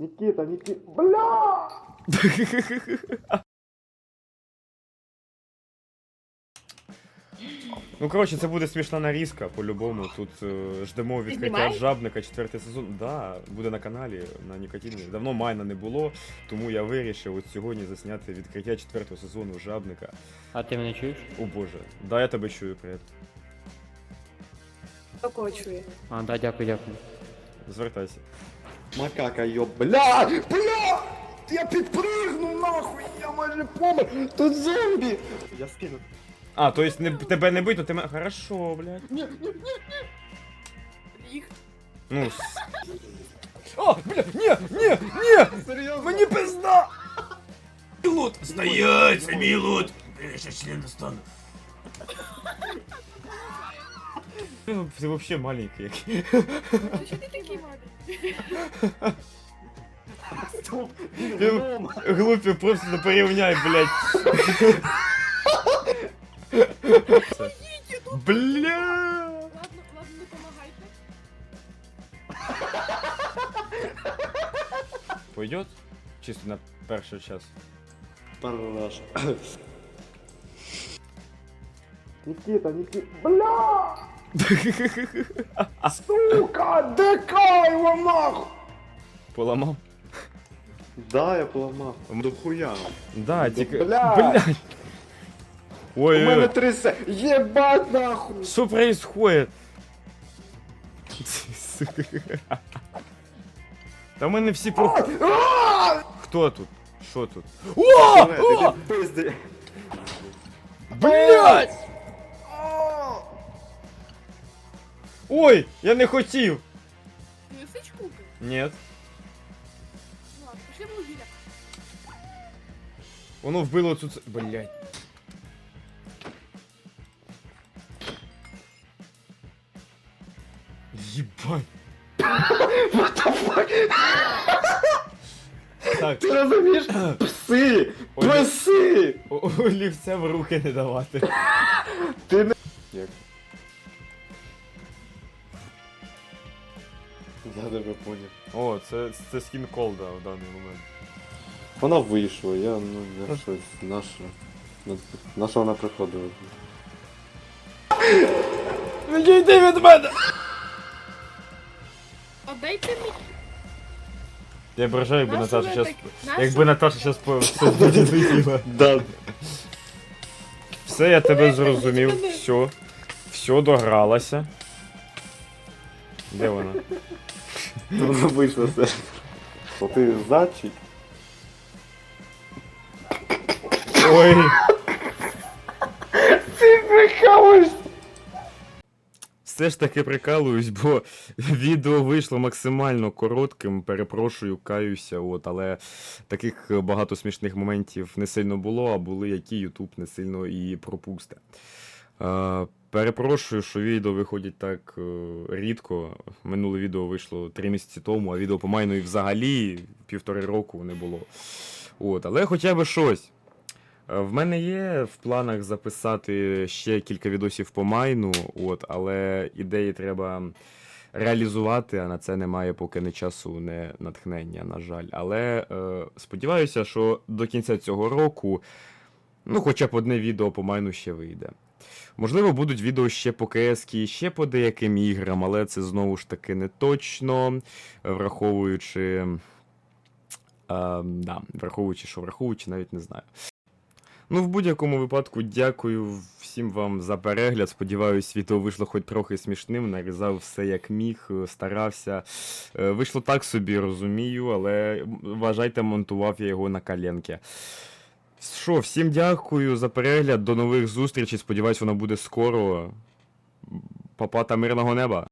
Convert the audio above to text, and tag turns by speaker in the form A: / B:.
A: Никита, бля!
B: Ну, коротше, це буде смішна нарізка, по-любому. Тут ждемо відкриття
C: Знімаєш?
B: жабника, 4-й сезон. Да, буде на каналі, на Нікотіні. Давно майна не було, тому я вирішив от сьогодні засняти відкриття 4-го сезону жабника.
D: А ти мене чуєш?
B: О боже, да, я тебе чую, привіт.
C: Такого чує.
D: А, да, дякую.
B: Звертайся.
A: Макака, ёб, бля! Бля! Я підпригнув нахуй, я майже помер! Тут зомбі! Я скину.
B: А, то есть тебе не бить, то ти мене... Хорошо, блядь.
C: Їх.
B: Ну, О, бля, ні!
A: Серйозно?
B: Мені пизда!
E: Лут! Стоять, це мій лут! Я ще член достану.
B: Ти вообще маленький.
C: Ти що ти такий маленький?
A: Стоп!
B: Глупі, просто не порівняй, блядь. Бля!
C: Ладно, не помагайте.
B: Пойдет? Чисто на перший час.
A: Параш. Никита, бля! Сука, дикай его нахуй!
B: Поламав?
A: Да, я поламав. До хуя.
B: Да, тільки...
A: Блядь.
B: Блядь!
A: У мене
B: Ой,
A: трясе. Єбать нахуй!
B: что происходит? Та в мене всі про... Хто тут? Що тут? О!
A: Іди пизди.
B: Блядь! Ой, я не хотів!
C: Не сич куки?
B: Нет.
C: Ну ладно, пішли в вугілля.
B: Воно вбило тут... Блядь. Ебать. Так,
A: Ти розумієш? Пси! Пси!
B: олівця в руки не давати.
A: Ти не... Як? Я тебе поняв.
B: О, це скін колда в даний момент.
A: Вона вийшла, я щось, на що вона приходила?
B: Відійди від мене!
C: Отдайте мені.
B: Я ображаю, якби
C: Нащо
B: Наташа
C: ви
B: щас...
C: так- нащо?
B: Якби Наташа щас все зрозуміла.
A: Да.
B: Все, я тебе зрозумів. Все догралася. Де вона?
A: Вона вийшла з сервера. О, ти зачий?
B: Ой.
A: Ти прикалуєшся!
B: Все ж таки прикалуюсь, бо відео вийшло максимально коротким, перепрошую, каюся, але таких багато смішних моментів не сильно було, а були, які YouTube не сильно і пропусте. Перепрошую, що відео виходять так рідко. Минуле відео вийшло 3 місяці тому, а відео по майну і взагалі 1,5 року не було. Але хоча б щось. В мене є в планах записати ще кілька відосів по майну, але ідеї треба реалізувати, а на це немає поки не часу, не натхнення, на жаль. Але сподіваюся, що до кінця цього року, хоча б одне відео по майну ще вийде. Можливо, будуть відео ще по КС, ще по деяким іграм, але це знову ж таки не точно, враховуючи, враховуючи, навіть не знаю. В будь-якому випадку дякую всім вам за перегляд. Сподіваюсь, відео вийшло хоч трохи смішним, нарізав все як міг, старався. Вийшло так собі, розумію, але вважайте, монтував я його на коленки. Що, всім дякую за перегляд, до нових зустрічей, сподіваюсь, воно буде скоро. Па-па та мирного неба!